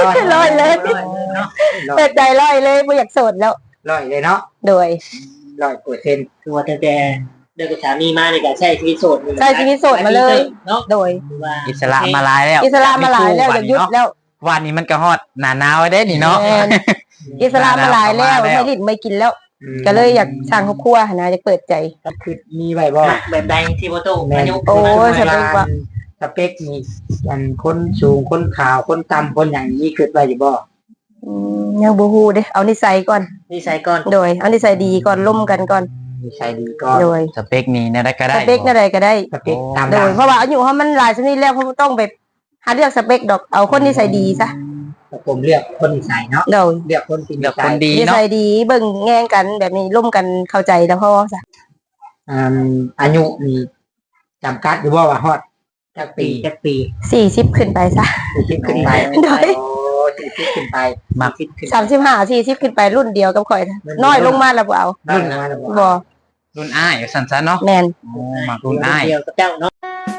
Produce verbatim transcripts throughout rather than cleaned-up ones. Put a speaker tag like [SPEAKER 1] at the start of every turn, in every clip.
[SPEAKER 1] ลอยเลยเปิดใจลอยเลยไม่อยากโสดแล้ว
[SPEAKER 2] ลอยเลยเนาะ
[SPEAKER 1] โดย
[SPEAKER 2] ลอยเปอร์เซ็นต์
[SPEAKER 3] ตัวแต่แต่เดินกับสามีมาในการใช้ชีวิตโสด
[SPEAKER 1] ใช้ชีวิตโสดมาเลยเนาะโดย
[SPEAKER 4] อิสระมาหลายแล้ว
[SPEAKER 1] อิสระมาหลายแล้วจะยุดแล้ว
[SPEAKER 4] วันนี้มันก็ฮอดหนาหนาวได้นี่เนาะ
[SPEAKER 1] อิสระมาหลายแล้วไม่ลิ้นไม่กินแล้วก็เลยอยากสร้างครอบครัวนะจะเปิดใจ
[SPEAKER 2] คือมีไว้บ่
[SPEAKER 3] แบบใดที่บ่ตู้อายุ
[SPEAKER 1] โอ้สเปคว่า
[SPEAKER 2] สเปคมีอันคนสูงคนขาวคนต่ำคนอย่างนี้คือไว้อยู่บ่
[SPEAKER 1] ยังบ่ฮู้เด้เอานิสัยก่อน
[SPEAKER 3] นิสัยก่อน
[SPEAKER 1] โดยเอานิสัยดีก่อนล่มกันก่อน
[SPEAKER 2] นิสัยดีก่อน
[SPEAKER 1] โดย
[SPEAKER 4] สเปคนี้เนี่ยได้ก็ได้
[SPEAKER 1] สเปคอะไรก็ได้
[SPEAKER 2] สเปคตาม
[SPEAKER 1] โดยเพราะว่าอายุเขามันหลายชนิดแล้วเขาต้องไปหาเลือกสเปคดอกเอาคนนิสัยดีซะ
[SPEAKER 2] ผมเลือกคนนิสัยเนาะ
[SPEAKER 1] โดย
[SPEAKER 2] เลือกคน
[SPEAKER 4] เลือกคนดี
[SPEAKER 1] นิสัยดีเบิ่งแง่งกันแบบนี้ร่วมกันเข้าใจแล้วพ่อซะ
[SPEAKER 2] อ่าอายุนี่จำกัดอยู่บ่ว่าฮอดจักปีจักปี
[SPEAKER 1] สี่สิบขึ้นไปซะ
[SPEAKER 2] สี่สิบขึ้นไป
[SPEAKER 1] โดย
[SPEAKER 2] โอ้สี่สิบขึ้นไป
[SPEAKER 4] มาก
[SPEAKER 1] สามสิบห้า สี่สิบขึ้นไปรุ่นเดียวกับข่อยน้อยลงมาแล้วบ่เอา
[SPEAKER 2] รุ่นมาแล้ว
[SPEAKER 1] บ่
[SPEAKER 4] รุ่นอ้ายสั้นๆเนาะ
[SPEAKER 1] แม่น
[SPEAKER 4] โอ้มารุ่นอ้าย
[SPEAKER 3] เดียวกับเจ้าเนาะ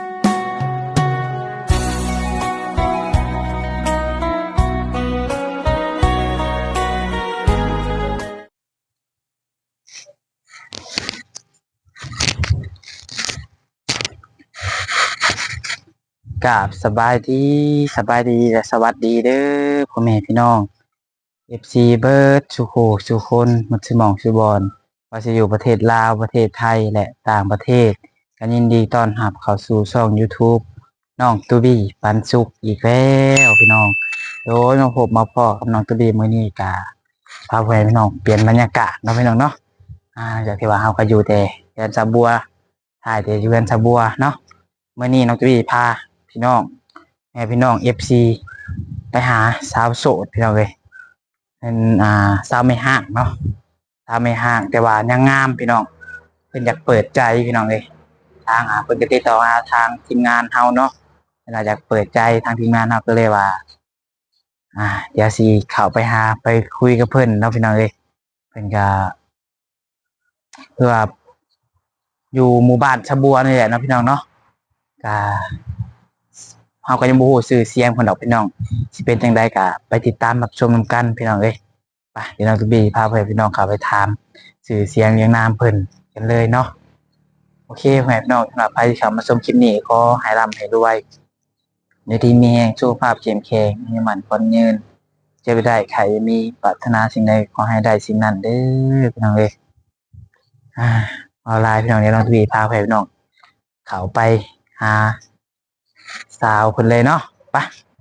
[SPEAKER 4] กราบสบายดีสบายดีและสวัสดีเด้อพ่อแม่พี่น้อง เอฟ ซี เบิร์ดสุโขสุคนมุสมองสุบอนว่าจะอยู่ประเทศลาวประเทศไทยและต่างประเทศกันยินดีต้อนรับเข้าสู่ช่อง YouTube น้องตูบี้ปันสุขอีกแล้วพี่น้องโดยมาพบมาพ่อกับน้องตูบี้มื้อนี้กะพาพ่อแม่พี่น้องเปลี่ยนบรรยากาศเนาะพี่น้องเนาะอ่าจากที่ว่าเฮาก็อยู่แต่เรือนสะบัวถ่ายแต่อยู่เรือนสะบัวเนาะมื้อนี้น้องตูบี้พาพี่น้องแม่พี่น้อง เอฟ ซี ไปหาสาวโสดพี่น้องเอ้ยเป็นอ่าสาวไม่ห่างเนาะสาวไม่ห่างแต่ว่ายังงามพี่น้องเพิ่นอยากเปิดใจพี่น้องเอ้ยทางอ่าเพิ่นก็ติดต่อหาทางทีมงานเฮาเนาะเวลาอยากเปิดใจทางทีมงานเฮาก็เลยว่าอ่าเดี๋ยวสิเข้าไปหาไปคุยกับเพิ่นเนาะพี่น้องเอ้ยเพิ่นก็เพื่ออยู่หมู่บ้านชะบัวนี่แหละเนาะพี่น้องเนาะก็เฮาก็ยังบ่ฮู้ชื่อเสียงเพิ่นดอกพี่น้องสิเป็นจังได๋ก็ไปติดตามรับชมนำกันพี่น้องเอ้ยไปเดี๋ยวน้องตูบี้พาเพื่อนพี่น้องเข้าไปถามชื่อเสียงเรียงนามเพิ่นกันเลยเนาะโอเคพ่อแม่พี่น้องสำหรับใครที่เข้ามาชมคลิปนี้ขอให้ร่ำให้รวยในที่มีแรงสุขภาพเข้มแข็งมีมั่นคงยืนเจ็บได้ใครมีปรารถนาสิ่งใดขอให้ได้สิ่งนั้นเด้อพี่น้องเอ้ยอ่าออนไลน์พี่น้องเดี๋ยวน้องตูบี้พาเพื่อนพี่น้องเข้าไปหาสาวคนเลยเนาะไป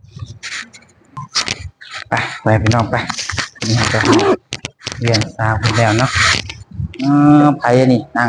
[SPEAKER 4] ไปไปพี่น้องไปนี่จะเรียนสาวคนแล้วเนาะอ๋อไปนี่นั่ง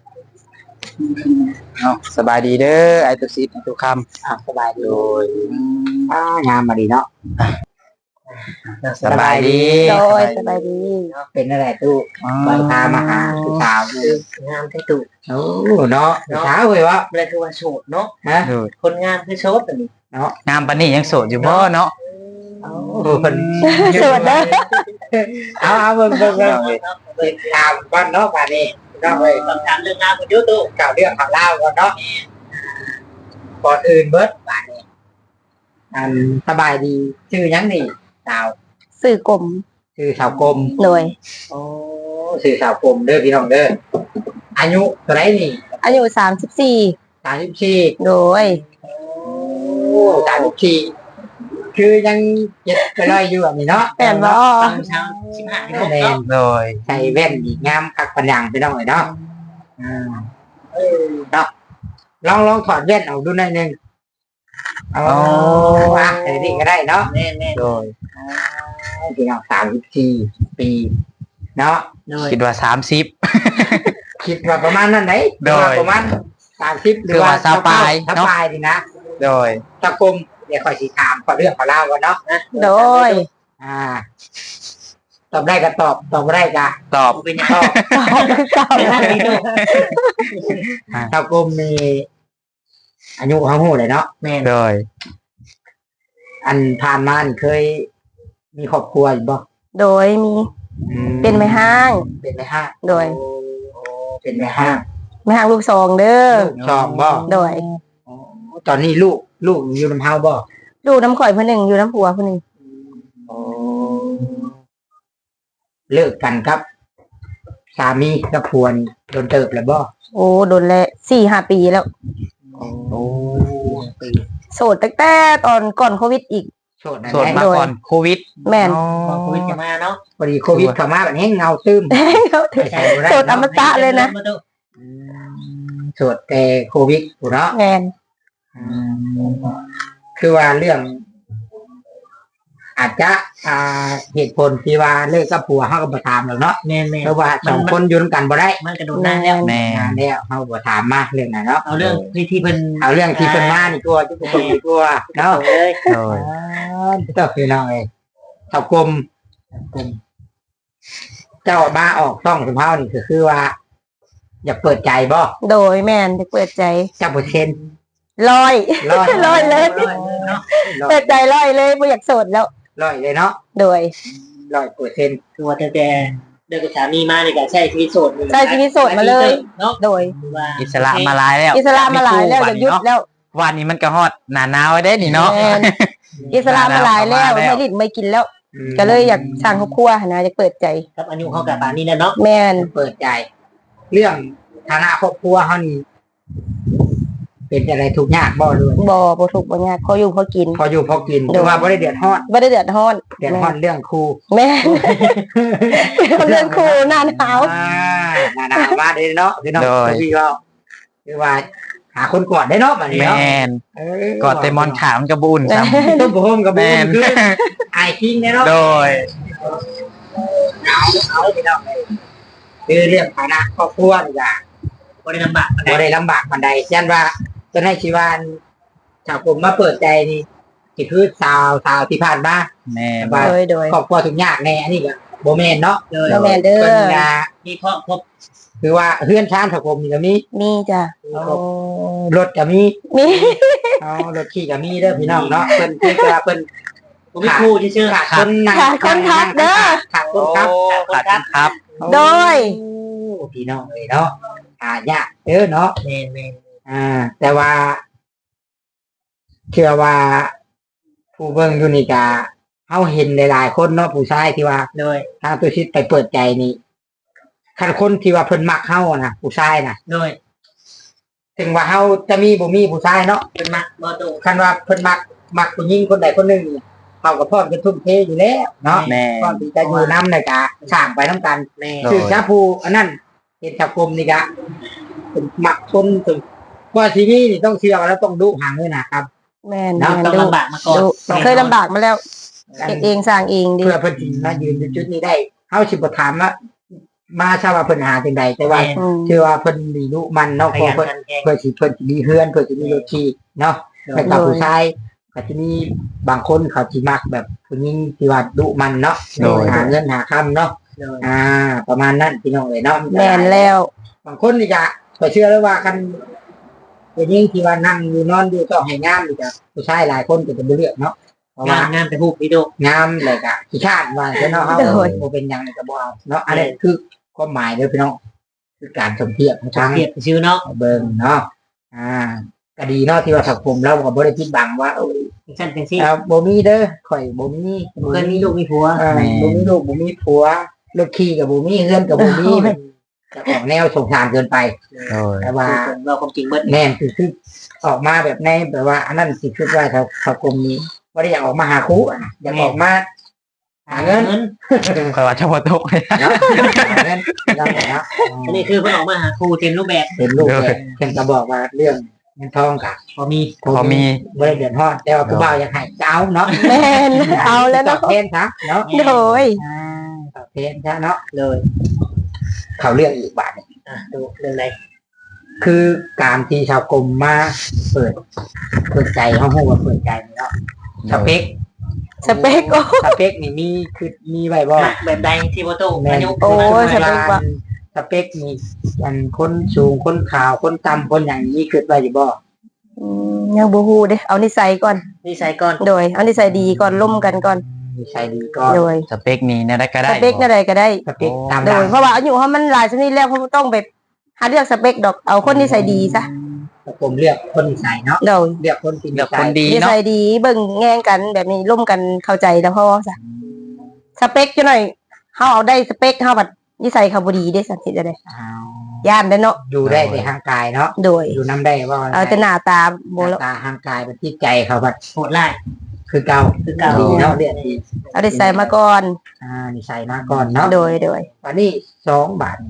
[SPEAKER 4] เนาะสบายดีเด้อไอตุสิไอตุคำ
[SPEAKER 2] อ่าสบายดีโดยอ่างามมาดีเนาะ
[SPEAKER 4] สบายดี
[SPEAKER 1] โดยสบายดี
[SPEAKER 2] เป็นอะไรตู้บางตามาหาคือสาวคื
[SPEAKER 3] องามที่ตู้
[SPEAKER 2] โอ้เนาะสาวเลยวะ
[SPEAKER 3] อะไรคือว่าโสดเนาะ
[SPEAKER 2] ฮะ
[SPEAKER 3] คนงามคือโสดแบบนี้
[SPEAKER 2] เนาะ
[SPEAKER 4] งามปานนี้ยังโสดอยู่บ่เนาะ
[SPEAKER 2] โอ้คน
[SPEAKER 1] โสดเด้อ
[SPEAKER 2] เอาเอาเบิ่งเบิ่งเบิ่งติดตามก่อนเนาะป่านนี้ก็เลย
[SPEAKER 3] ต้องถามเรื่องงานกันอยู่ตู้
[SPEAKER 2] เก่าเรื่องข่าวเล่าก่อนเนาะก่อนอื่นเบิร์ดป่านนี้อันสบายดีชื่อยังนี่สาว
[SPEAKER 1] สื่อกลม
[SPEAKER 2] ชื่อสาวกลม
[SPEAKER 1] โดย
[SPEAKER 2] โอ้ชื่อสาวกลมเด้อพี่น้องเด้ออายุเท่าไหร่นี่
[SPEAKER 1] อายุสามสิบสี่
[SPEAKER 2] สามสิบสี่
[SPEAKER 1] โดย
[SPEAKER 2] โอ้สามสิบสี่คือยังเจ็บไปเลยอยู่แบบนี้เนาะ
[SPEAKER 1] แม่นบ่
[SPEAKER 3] ตอนเช้าสิบห้าโมง
[SPEAKER 2] เนาะโดยใส่แว่นดีงามคักปัญญาไปน้องเลยเนาะอ่าเออเนาะลองลองถอดแว่นออกดูหน่อยนึงโอ้อ่ะเดี๋ยวนี้ก็ได้เนาะ
[SPEAKER 3] แน่แน่
[SPEAKER 2] โดยพี่น้องสามสิบสี่ปีเนาะ
[SPEAKER 4] คิดว่าสามสิบ
[SPEAKER 2] คิดว่าประมาณนั้นไหน
[SPEAKER 4] โดย
[SPEAKER 2] ประมาณสามสิบหรือว่าสปายสปายดีนะ
[SPEAKER 4] โดย
[SPEAKER 2] ตะกลมเดี๋ยวคอยสีถามขอเรื่องขอเล่ากันเนาะ
[SPEAKER 1] โดย
[SPEAKER 2] อ่าตอบได้ก็ตอบตอบไม่ได้ก็
[SPEAKER 4] ตอบ
[SPEAKER 3] เป็นยังตอบ
[SPEAKER 1] ตอบตอบ
[SPEAKER 2] ตะกลมมีอายุเขาหูเลยเนาะ
[SPEAKER 4] แม่โดย
[SPEAKER 2] อันผ่านมาเคยมีครอบครัวอยู่บ่
[SPEAKER 1] โดยมีเป็นแม่ห้าง
[SPEAKER 2] เป็นแม่ห้าง
[SPEAKER 1] โดย
[SPEAKER 2] เป็นแม่ห้าง
[SPEAKER 1] แม่ห้างลูกสองเด้อ
[SPEAKER 2] สองบ่
[SPEAKER 1] โดย
[SPEAKER 2] ตอนนี้ลูกลูกอยู่น้ำเฮาบ่
[SPEAKER 1] ลูกน้ำข่อยเพิ่นหนึ่งอยู่น้ำผัวเพิ่นหนึ่ง
[SPEAKER 2] เลิกกันครับสามีกับผัวนี่โดนเติบแล้วบ่
[SPEAKER 1] โอ้โดนแล้วสี่ห้าปีแล้ว
[SPEAKER 2] โอ้
[SPEAKER 1] โสดตั้งแต่ตอนก่อนโควิดอีก
[SPEAKER 2] โสดนั่น
[SPEAKER 4] โสด
[SPEAKER 2] แหละ
[SPEAKER 4] มาก่อนโควิด
[SPEAKER 1] แม่น
[SPEAKER 4] อ๋อ
[SPEAKER 3] พอโควิดจะมาเนาะ
[SPEAKER 2] พอดีโควิดเข้ามาแบบนี้เงาตึม
[SPEAKER 1] เขาถือ
[SPEAKER 2] ใช่บ่ได้
[SPEAKER 1] โสดอมตะเลยนะ
[SPEAKER 2] อืมโสดแต่โควิดผู้เนาะ
[SPEAKER 1] แมน
[SPEAKER 2] อืมคือว่าเรื่อง อาจจะอ่าเหตุผลที่ว่าเลิกกับผัวเฮาก็บ่ถามแล้วเนาะ
[SPEAKER 3] แม่น
[SPEAKER 2] เพราะว่าสองคนอยู่ด้วยกันบ่ได้
[SPEAKER 3] ๆมันกระโดดนานแล้ว
[SPEAKER 4] แม่
[SPEAKER 2] นานแล้วเฮาบ่ถามมาเรื่องนั้นเนาะ
[SPEAKER 3] เอาเรื่องที่ที่เพิ่น
[SPEAKER 2] เอาเรื่องที่เพิ่นมานี่ตัวที่เพิ่นนี่ตัวเนาะ
[SPEAKER 3] เลย
[SPEAKER 4] โดย
[SPEAKER 2] เจ้าพี่น้องเอ้ยเจ้ากรมกรมเจ้ามาออกต้องสมเฮานี่ก็คือว่า อยากเปิดใจบ่
[SPEAKER 1] โดยแมนจะเปิดใจ
[SPEAKER 2] เจ้าเปอร์เซ็นต์
[SPEAKER 1] ร้อย
[SPEAKER 2] ร้อย
[SPEAKER 1] ร้อยเลย
[SPEAKER 3] ร้อยเนาะ
[SPEAKER 2] ร้อ
[SPEAKER 1] เปิ
[SPEAKER 2] ย
[SPEAKER 1] ดใจร้อยเลยไม่อยากโสดแล้ว
[SPEAKER 2] ร้อยเลยเนาะ
[SPEAKER 1] โดย
[SPEAKER 2] ร้อยเปอร์เซ็นต์
[SPEAKER 3] คือว่าตั้งแต่เดินกับสามีมาในการใช้ชีวิตโสด
[SPEAKER 1] ใช้ชีวิตโสดมาเลย
[SPEAKER 3] เนาะ
[SPEAKER 1] โดย
[SPEAKER 4] อิสระมาหลายแล้ว
[SPEAKER 1] อิสระมาหลายแล้วอยากหยุดแล้ว
[SPEAKER 4] วันนี้มันก็ฮอดหนาหนาวได้นี่เนาะ
[SPEAKER 1] แม่นอิสระมาหลายแล้วไม่ลิ้นไม่กินแล้ว ก็เลยอยากสร้างครอบครัวนะอยากเปิดใจ
[SPEAKER 3] ครับอายุเขากับป่านนี้แล้วเนาะ
[SPEAKER 1] แมน
[SPEAKER 2] เปิดใจ เรื่องฐานะครอบครัวเฮานี่เป็นอะไรทุกข์ยากบ่ด้วย
[SPEAKER 1] บ่บ่ถูกบ่ยากพออยู่พอกิน
[SPEAKER 2] พออยู่พอกินคือว่าบ่ได้เดือดร้อน
[SPEAKER 1] บ่ได้เดือดร้อน
[SPEAKER 2] เดือดร้อนเรื่องครู
[SPEAKER 1] แม่นเรื่องครูหน้าหนาว
[SPEAKER 2] อ่าหนาหนาวมาเลยเนาะพี่น้อง
[SPEAKER 4] โดย
[SPEAKER 2] พี่เราคือว่า หาคนกอดได้เนาะแบบนี้
[SPEAKER 4] แม
[SPEAKER 2] เนาะ
[SPEAKER 4] น
[SPEAKER 2] เออก
[SPEAKER 4] อดเตมอนขาวมันกระบุนซ้
[SPEAKER 2] ต้มโมกับ
[SPEAKER 4] ำแม
[SPEAKER 2] บูม
[SPEAKER 4] น
[SPEAKER 2] คือไอคิงเนี่ยเนาะ
[SPEAKER 4] โดย
[SPEAKER 2] เอาเอาพี่น้องเลยคือเรื่องฐานะครอบครัวนี่จ้ะ
[SPEAKER 3] บ่ได้ลำบากปานใด
[SPEAKER 2] บ่ได้ลำบากปานใดยันว่าจนให้ชีวานชาวกลุ่มมาเปิดใจนี่ที่คือสาวสาวที่ผ่านมา
[SPEAKER 4] แมน
[SPEAKER 2] ว่า
[SPEAKER 1] โดยโดย
[SPEAKER 2] ครอบครัวทุกยากแน่อันนี้ก็โบแมนเนาะ
[SPEAKER 3] เลย
[SPEAKER 1] บ่แม่นเด้อ
[SPEAKER 2] เพิ่นก็
[SPEAKER 3] มีครอบครบ
[SPEAKER 2] คือว่าเพื่อนชานชาวกลุ่มนี่ก็มี
[SPEAKER 1] มีจ้ะ
[SPEAKER 2] รถก็มี
[SPEAKER 1] มี
[SPEAKER 2] เอารถขี่ก็มีเด้อพี่น้องเนาะเพิ่นคือว่าเพิ่น
[SPEAKER 3] ผมมีครูที่ชื่อ
[SPEAKER 2] ขาดคนนั่ง
[SPEAKER 1] ขาดคนขับเด้อ
[SPEAKER 2] ขาดคนครับ
[SPEAKER 4] ขาดคนครับ
[SPEAKER 1] โดย
[SPEAKER 2] โอ้พี่น้องเลยเนาะหายากเด้อเนาะ
[SPEAKER 3] แม่นแม่น
[SPEAKER 2] อ่า แต่ว่าเชื่อว่า ผู้เบิ่งอยู่นี่ก็เฮาเห็นหลายๆคนเนาะผู้ชายที่ว่า
[SPEAKER 3] โดย
[SPEAKER 2] ทางตัวชิดไปเปิดใจนี่คันคนที่ว่าเพิ่นมักเฮานะผู้ชายนะ
[SPEAKER 3] โดย
[SPEAKER 2] ถึงว่าเฮาจะมีบ่มีผู้ชายเนาะ
[SPEAKER 3] เป็นมักบ่ตรง
[SPEAKER 2] คันว่าเพิ่นมักมักผู้หญิงคนใดคนหนึ่งนี่เฮาก็พร้อมจะทุ่มเทอยู่แล้วเนาะ
[SPEAKER 4] แมน
[SPEAKER 2] พร้อมที่จะอยู่นำในกะสร้างไปนํกัน
[SPEAKER 3] แม่
[SPEAKER 4] โดย
[SPEAKER 2] คือชาผู้อันนั้นเห็นสังคมนี่กะเป็นมักคนถึงว่าชีวิตนี่ต้องเชื่อแล้วต้องดูห่างด้วยนะครับ
[SPEAKER 1] แม่น
[SPEAKER 2] เนาะ
[SPEAKER 1] แม่น
[SPEAKER 3] ต้อง
[SPEAKER 1] ดู
[SPEAKER 3] ลำบากมาก่อน
[SPEAKER 1] ดูเคยลำบากมาแล้วเก็บเองสร้างเองดิ
[SPEAKER 2] เพื่อเพิ่นสิมายืนอยู่จุดนี้ได้เฮาสิบ่ถามว่ามาทราบว่าเพิ่นหาจังใดแต่ว่า
[SPEAKER 1] อืม
[SPEAKER 2] เชื่อว่าเพิ่นมีลูกมันเนาะ
[SPEAKER 3] ข
[SPEAKER 2] เพราะ
[SPEAKER 3] ยัน
[SPEAKER 2] เพิ่น
[SPEAKER 3] ขันแข็ง
[SPEAKER 2] เพื่อสิเพิ่นสิมีเฮือนเพื่อสิมีรถขี่เนาะแล้วก็ผู้ชายก็จะมีบางคนเขาสิมักแบบผู้หญิงที่ว่าดุมันเนาะ
[SPEAKER 4] โดย
[SPEAKER 2] หาเงินหาค่ำเนาะ
[SPEAKER 3] โดย
[SPEAKER 2] อ่า ประมาณนั้นพี่น้องเอ้ยเนาะ
[SPEAKER 1] แม่นแล้ว
[SPEAKER 2] บางคนนี่ก็ก็เชื่อแล้วว่ากันผู้หญิงที่ว่านั่งอยู่นอนอยู่ต้องให้งามนี่ก็ผู้ชายหลายคนก็จะบ่เลือกเนาะเพราะ
[SPEAKER 3] งา
[SPEAKER 2] ว่าน
[SPEAKER 3] งานแต่ฮูกพี่โด
[SPEAKER 2] งามเลยก็ขี้คร้านว่าแต่เนาะเฮาบ่เป็นหยังก็บ่เอาเนาะอันนี้คือความหมายเด้อพี่น้องคือการสมเทียบทาง
[SPEAKER 3] เทียบชื่อเนาะ
[SPEAKER 2] เบิ่งเนาะ อ่าก็ดีเนาะที่ว่าสังคมเราก็บ่ได้ปิดบังว่าเอ้ย
[SPEAKER 3] ฉันเป็นซี่
[SPEAKER 2] เอ่อบ่มีเด้อข่อยบ่มี
[SPEAKER 3] เคยมีลูกมีผัว
[SPEAKER 2] เอ่อบ่มีลูกบ่มีผัวรถขี่ก็บ่มีเฮือนก็บ่มีจะออกแนวสงสารเกินไป
[SPEAKER 4] โดย
[SPEAKER 2] แต่ว่า
[SPEAKER 3] เราความจริงเบิด
[SPEAKER 2] แม่นคือคือออกมาแบบในแบบว่า อันนั้นสิคือว่าถ้าสังคมนี้บ่ได้อยากออกมาหาคู่อะนะอยากออกมาหาเงิน
[SPEAKER 4] คอยว่าเฉพาะตกเลย
[SPEAKER 2] เนาะหาเงินเนาะเนาะ
[SPEAKER 3] อันนี้คือเพิ่นออกมาหาครูเต็มรูปแบบ
[SPEAKER 2] เป็นลูกแกเพิ่นก็บอกว่าเรื่องเงินทองก็
[SPEAKER 3] พอมี
[SPEAKER 4] พอมี
[SPEAKER 2] บ่ได้เดือดร้อนแต่ว่าผู้บ่าวอยากให้จะเอาเนาะ
[SPEAKER 1] แม่นเอาแล้ว
[SPEAKER 2] ต
[SPEAKER 1] เนาะ
[SPEAKER 2] อบแทนซะเนาะ
[SPEAKER 1] โดย
[SPEAKER 2] อ่าตอบแทนซะเนาะ
[SPEAKER 3] เลย
[SPEAKER 2] เขาเรื่องอีกบาทหนึ่ง
[SPEAKER 3] อ่ะดูเรื่องไหน
[SPEAKER 2] คือการที่ชาวกรมมาเปิดเปิดใจเขาให้ว่าเปิดใจเนาะสเปค
[SPEAKER 1] สเปคโอ้
[SPEAKER 2] สเปคนี่มีคือมีไว้บ่
[SPEAKER 3] มักแบบใดที่บ่ตู้
[SPEAKER 2] แม่น
[SPEAKER 3] อายุ
[SPEAKER 1] โอ้ย สเปคว่า
[SPEAKER 2] สเปคนี่อันคนสูงคนขาวคนต่ำคนอย่างนี้คือไว้อยู่บ่
[SPEAKER 1] อืมยังบ่ฮู้เด้เอานิสัยก่อน
[SPEAKER 3] นิสัยก่อน
[SPEAKER 1] โดยเอานิสัยดีก่อนล่มกันก่อน
[SPEAKER 2] มีใช่ดีก็
[SPEAKER 1] โดย
[SPEAKER 4] สเปคนี้เนี่ยได้ก็
[SPEAKER 1] ส
[SPEAKER 4] ได้
[SPEAKER 1] เปคอะไรก็ได้
[SPEAKER 2] สเปคตาม
[SPEAKER 1] โด
[SPEAKER 2] หลั
[SPEAKER 1] ย
[SPEAKER 2] ง
[SPEAKER 1] เพราะว่าอายุเขามันหลายชนิดแล้วเขาต้องไปหาเลือกสเปคดอกเอาคนนิสัยดีซะ
[SPEAKER 2] ชาวกรมเลือกคนนิสัยเนาะ
[SPEAKER 1] โดย
[SPEAKER 2] เลือกคนที่
[SPEAKER 4] เลือก
[SPEAKER 2] นิสั
[SPEAKER 4] คน
[SPEAKER 2] ย
[SPEAKER 4] ดี
[SPEAKER 1] นิ
[SPEAKER 4] เนาะ
[SPEAKER 1] สัยดีเบิ่งแง่งกันแบบนี้ร่วมกันเข้าใจแล้วพอจ้ะสเปคจังหน่อยเฮาเอาได้สเปคเฮาบัดนิสัยเขาบ่ดีเด้สันสิจะได้
[SPEAKER 2] อ้าว
[SPEAKER 1] ย่านได้เนาะ
[SPEAKER 2] อยู่ได้ในทางกายเนาะ
[SPEAKER 1] โดย
[SPEAKER 2] อยู่น้ำได้ว่า
[SPEAKER 1] เอาแต่หน้าตา
[SPEAKER 2] ห
[SPEAKER 1] บ่
[SPEAKER 2] น้า
[SPEAKER 1] แล้ว
[SPEAKER 2] ตาทางกายเป็นที่ใจเขาแบบ
[SPEAKER 3] โหดไล่
[SPEAKER 2] คือเก่า
[SPEAKER 3] คือเก่า
[SPEAKER 2] ดีเนาะเรียนดี
[SPEAKER 1] เอาได้ใส่มาก่อน
[SPEAKER 2] อ่านี่ใส่มาก่อนเนาะ
[SPEAKER 1] โดยโดย
[SPEAKER 2] วันนี้สองบาท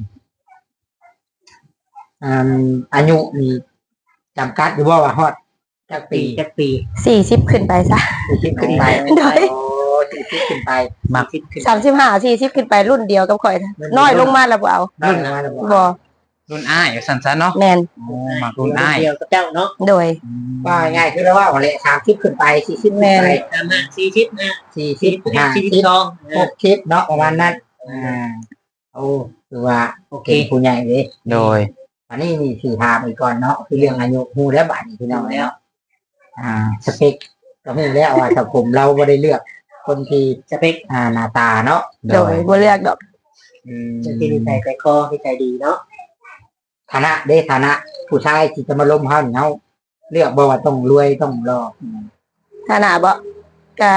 [SPEAKER 2] อ่าอายุมีจำกัดหรือว่าว่าฮอดจัก
[SPEAKER 3] ปี
[SPEAKER 2] ปี
[SPEAKER 3] จักปี
[SPEAKER 1] สี่สิบขึ้นไปซะ
[SPEAKER 2] สี่สิบขึ้นไป
[SPEAKER 1] โดย
[SPEAKER 2] โอ้สี่สิบขึ้นไป
[SPEAKER 4] มัก
[SPEAKER 3] คิดขึ้น
[SPEAKER 1] สามสิบห้า สี่สิบขึ้นไปรุ่นเดียวกับข่อยนะน้อยลงมาแล้วบ่เอา
[SPEAKER 2] นั่นมาแล้วบ่
[SPEAKER 1] บ่
[SPEAKER 4] รุ่นอ้ายสั่นซะเนาะ
[SPEAKER 1] แม่น
[SPEAKER 4] โอ้มักรุ่นอ้าย
[SPEAKER 3] เดียวกับเจ้าเนาะ
[SPEAKER 1] โดย
[SPEAKER 2] ว่าง่ายคือเราว่าอะไรสามสิบขึ้นไปสี่สิบขึ้น
[SPEAKER 1] แม่
[SPEAKER 2] ไป
[SPEAKER 1] น
[SPEAKER 3] ตามมาสี่สิบนะ
[SPEAKER 2] สี่สิ
[SPEAKER 3] สี่
[SPEAKER 2] บ
[SPEAKER 3] สิบ
[SPEAKER 2] ห้า
[SPEAKER 3] สี่สิ
[SPEAKER 2] สิ
[SPEAKER 3] บบ สอง
[SPEAKER 2] หกสิบเนาะประมาณนั้นอ่าโอ้คือว่า
[SPEAKER 3] โอเค
[SPEAKER 2] เป็นผู้ใหญ่เลย
[SPEAKER 4] โดย
[SPEAKER 2] อันนี้มีสี่ถามอีกก่อนเนาะคือเรื่องอายุฮู้แล้วบาดนี้พี่น้องแล้วอ่าสเปคก็ฮู้แล้วว่าถ้าผมเราไม่ได้เลือก คนที่
[SPEAKER 3] สเปค
[SPEAKER 2] อ่าหน้าตาเนาะ
[SPEAKER 4] โด
[SPEAKER 1] โด
[SPEAKER 4] ย
[SPEAKER 1] ยบ่เลือกดอก
[SPEAKER 2] อืม
[SPEAKER 3] จะที่นิสัยใจคอที่ใจดีเนาะ
[SPEAKER 2] ฐานะเด้ฐานะ ผู้ชายที่จะมาล้มเฮานี่เฮาเลือกบ่ว่าต้องรวยต้องรอ
[SPEAKER 1] ถ้าหน้าบ่ก็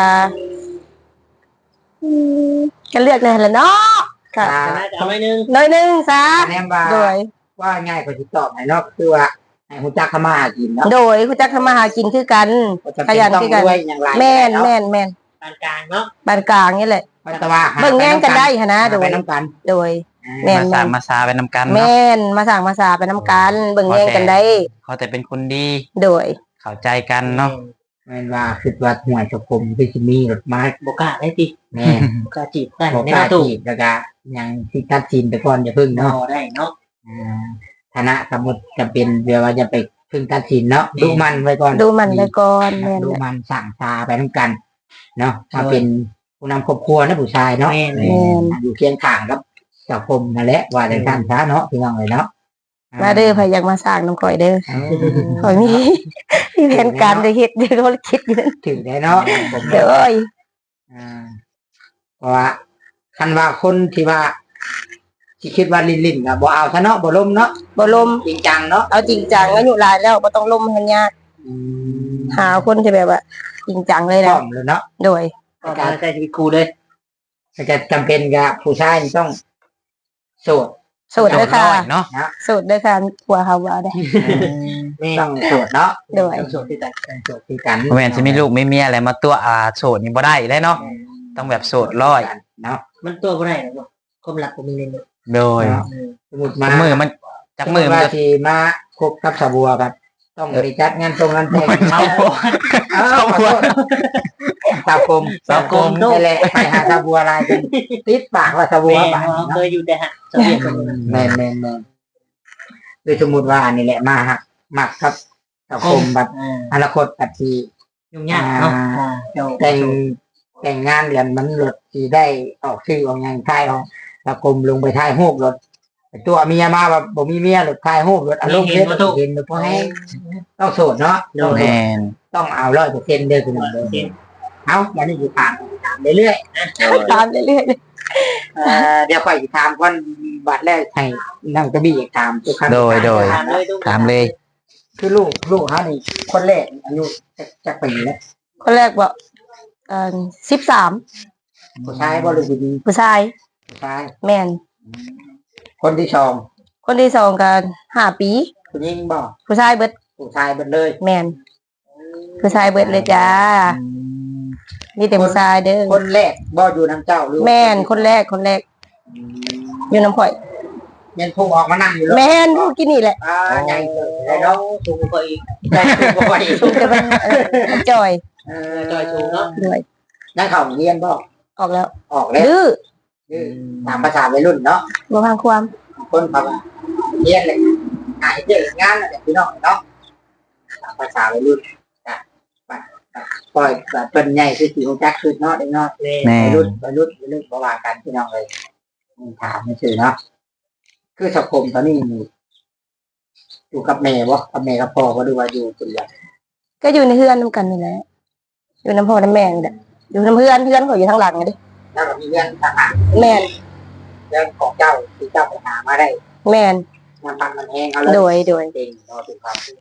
[SPEAKER 1] อืมก็เลือกนั่นแหละเนาะก็
[SPEAKER 2] อ่า
[SPEAKER 3] จะน่าจะเอาไว้นึง
[SPEAKER 1] น้อยหนึงซะ
[SPEAKER 2] คะแนนว่า
[SPEAKER 1] โดย
[SPEAKER 2] ว่าง่ายกว่าที่ตอบให้เนาะคือว่าให้ฮู้จักเข้ามาหากินเนาะ
[SPEAKER 1] โดยคุณจักทำมาหากินคือกัน
[SPEAKER 2] บ่จำ
[SPEAKER 1] ข
[SPEAKER 2] เป็น
[SPEAKER 1] ยัน
[SPEAKER 2] ต้อง
[SPEAKER 1] คือกัน
[SPEAKER 2] รวยอย่างไร
[SPEAKER 1] แม่น
[SPEAKER 2] เนาะ
[SPEAKER 1] แม่นแม่น
[SPEAKER 3] ปานกลางเนาะ
[SPEAKER 1] ปานกลางนี่แหละ
[SPEAKER 2] เพราะแต่ว่าหา
[SPEAKER 1] เบิ่งแย่งกันได้หนนะ
[SPEAKER 2] หา
[SPEAKER 1] โด
[SPEAKER 2] ไป
[SPEAKER 1] ย
[SPEAKER 2] น้ำกัน
[SPEAKER 1] โดย แม่น
[SPEAKER 4] มาสร้างมาซาไปนำกันเนาะ
[SPEAKER 1] แม่นมาสั่งมาสาไปน้ำกันเบิ่งแย่งกันได้
[SPEAKER 4] เขาแต่เป็นคนดี
[SPEAKER 1] โดย
[SPEAKER 4] เข้าใจกันเนาะ
[SPEAKER 2] แม่นว่าคือว่าหวยสังคมคือสิมีรถมา
[SPEAKER 3] โบกล้าได้ติ
[SPEAKER 2] แม่
[SPEAKER 3] โบกล้าจีบกัน
[SPEAKER 2] บอก
[SPEAKER 3] ใน
[SPEAKER 2] กล้า
[SPEAKER 3] ประตู
[SPEAKER 2] จีบแล้วก็ยังที่ตัดสินไปก่อนอย่าพึ่ง
[SPEAKER 3] เนาะ
[SPEAKER 2] เนาะ
[SPEAKER 3] ได้เนาะ
[SPEAKER 2] อ่าฐานะสมมติจะเป็นเวลาจะไปพึ่งตัดสินเนาะดูมันไว้ก่อน
[SPEAKER 1] ดูมันไปก่อนแม่น
[SPEAKER 2] ดู
[SPEAKER 1] แหละ
[SPEAKER 2] มันสั่งตาไปทั้งกัน เนาะมาเป็นผู้นำครอบครัวนะผู้ชายเนาะ
[SPEAKER 3] แม่น
[SPEAKER 1] แม่น
[SPEAKER 2] อยู่เคียงข้างกับสังคมนั่นแหละว่าในท่านช้าเนาะพี่น้องเลยเนาะ
[SPEAKER 1] มาเด้อพยายามมาสร้างน้ำข่อยเด้อ
[SPEAKER 2] เออ
[SPEAKER 1] ข่อยมี มีแผนการจะเฮ็ดเดี๋ยวเขาคิดอยู่นั่น
[SPEAKER 2] ถึงได้เนาะผม
[SPEAKER 1] เด้อเอ้ย
[SPEAKER 2] อ่าเพราะว่าคันว่าคนที่ว่าที่คิดว่าลิ้นลิ้นๆก็บ่เอาซะเนาะบ่ล้มเนาะ
[SPEAKER 1] บ่ลม
[SPEAKER 2] จริงจังเนาะ
[SPEAKER 1] เอาจริงจังอายุหลายแล้วบ่ต้องลมให้มันยากหาคนที่แบบว่าจริงจังเลย
[SPEAKER 2] พร้
[SPEAKER 1] นะ
[SPEAKER 2] อมเลยเนาะ
[SPEAKER 1] โดย
[SPEAKER 3] ก็มาใจชีวิตครูเลย
[SPEAKER 2] ถ้าจะจำเป็นกับผู้ชายนี่ต้องโสด
[SPEAKER 1] โสดเด้อค่ะ
[SPEAKER 4] น้อยเนาะ
[SPEAKER 1] โสดเด้อค่ะผัวเขาว่าได้
[SPEAKER 3] แม่
[SPEAKER 2] ต้องโสดเนาะ
[SPEAKER 1] โดย
[SPEAKER 3] ต้องโสดที่กัน
[SPEAKER 2] ต้องโสดคือกัน
[SPEAKER 4] บ่แม่นสิมีลูกมีเมียอะไรมาตัวอาโสดนี่บ่ได้ได้เนาะต้องแบบโสดร้อย
[SPEAKER 2] เนาะ
[SPEAKER 3] มันตัวบ่ได้หรอกความรักบ่มีเลยเนาะ
[SPEAKER 4] โดย
[SPEAKER 2] สมมติ
[SPEAKER 4] จั
[SPEAKER 2] มาก
[SPEAKER 4] มือมันจักมือมัน
[SPEAKER 2] ว่า
[SPEAKER 4] จะ
[SPEAKER 2] ที่มาคบกับสาวบัวครับต้องไปจัดงานตรงงานแต่ง
[SPEAKER 4] เอา
[SPEAKER 2] เอา
[SPEAKER 4] สาวบัว
[SPEAKER 2] สาวกลม
[SPEAKER 4] สาวกลม
[SPEAKER 2] นี่แหละไปหาสาวบัวลายกันติดปากว่าสาวบัว
[SPEAKER 3] แม่
[SPEAKER 2] ปาก
[SPEAKER 3] เรา
[SPEAKER 2] เนาะ
[SPEAKER 3] เคยอยู่แต่ฮะสวีทคนนึง
[SPEAKER 2] แม่นแม่นแม่นคือสมมติว่านี่แหละมาหักมักครับสาวกลมแบบ
[SPEAKER 3] อ่า
[SPEAKER 2] อนาคตแบบที่
[SPEAKER 3] ยุ่งยากเนาะอ่าเจ้า
[SPEAKER 2] แต่งแต่งงานเดือนมันรถที่ได้ออกชื่อออกอย่างท้ายของสาวกลมลงไปท้ายหูบรถแต่ตัวเมียมาแบบบ่มีเมียรถท้ายหูบรถอารมณ์เห็นเห็นเพราะให้ต้องโสดเนาะต้อง
[SPEAKER 4] แม่น
[SPEAKER 2] ต้องเอาร้อยเปอร์เซ็นต์เด้อคุณหมอเด้อ
[SPEAKER 3] เห็น
[SPEAKER 2] เอาวันนี้อยู่ถามถามเรื่อย
[SPEAKER 1] ตามเรื่อย
[SPEAKER 2] ๆเอ่อเดี๋ยวค่อยสิถามก่อนบัดแรกให้นั่งกระบี่ถามทุกครั้ง
[SPEAKER 4] โดยโดย
[SPEAKER 3] ถามเลยทุก
[SPEAKER 4] ถามเลย
[SPEAKER 2] คือลูกลูกเขานี่คนแรกอายุจักจักปีแล้ว
[SPEAKER 1] ๆคนแรกบอกเอ่อสิบสาม
[SPEAKER 2] ผู้ชายบ่หรือผู้หญิง
[SPEAKER 1] ผู้ชาย
[SPEAKER 2] ผู้ชาย
[SPEAKER 1] แม่น
[SPEAKER 2] คนที่สอง
[SPEAKER 1] คนที่สองกันห้าปี
[SPEAKER 2] ผู้หญิงบ่
[SPEAKER 1] ผู้ชายเบิด
[SPEAKER 2] ผู้ชายเบิดเลย
[SPEAKER 1] แม่นผู้ชายเบิดเลยจ้านี่แต่ผู้ชายเด้อ
[SPEAKER 2] คนแรกบ่อยู่น้ำเจ้าหรือ
[SPEAKER 1] แม่นคนแรกคนแรก อยู่น้ำข่อย
[SPEAKER 2] แม่นผู้ออกมานั่งอยู่แล้ว
[SPEAKER 1] แม่นผู้กินนี่แหละ
[SPEAKER 2] อ่าใหญ่เกินได้เนาะ
[SPEAKER 3] สูงกว่าอีก
[SPEAKER 2] ใหญ่สูงกว่าอีก
[SPEAKER 1] สูงจะเป็นเอ่อมันจอย
[SPEAKER 2] เอ
[SPEAKER 3] จอยสูงเนาะ
[SPEAKER 1] ด้วย
[SPEAKER 2] นั่งเข้าโรงเรียนบ่
[SPEAKER 1] ออกแล้ว
[SPEAKER 2] ออกแล้ว
[SPEAKER 1] ดื้อ
[SPEAKER 2] คือตามภาษาวัยรุ่นเนาะ
[SPEAKER 1] บ่พังความ
[SPEAKER 2] คนเขาว่าเรียนเลยหายเจองานอะไรพี่น้องเนาะตามภาษาวัยรุ่นอ่ะปล่อยแบบเป็นใหญ่คือสีของจักคือเนาะเด็กเนาะ
[SPEAKER 3] แม่
[SPEAKER 4] แม่
[SPEAKER 2] วัย
[SPEAKER 4] น
[SPEAKER 2] รุ่นวัยรุ่นวัยรุ่นประวากันพี่น้องเลยถามไม่ชื่อเนาะคือสังคมตอนนี้มีอยู่กับแม่บ่กับแม่กับพ่อบ่ดูว่าอยู่คนเดียว
[SPEAKER 1] ก็อยู่ในเฮือนนํกันนี่แหละอยู่น้ำพ่อน้ำแม่นี่แหละอยู่น้ำเพื่อนเพื่อนเขาอยู่ทางหลังไงดิ
[SPEAKER 2] แล้วก็มีเรื่องทหาร
[SPEAKER 1] แม่น
[SPEAKER 2] เรื่องของเจ้าที่เจ้าไปหามาได้
[SPEAKER 1] แม่น
[SPEAKER 2] มันพันมันแห้งเขาเลย
[SPEAKER 1] โดยโดย
[SPEAKER 2] เก่งเนาะเป็นความ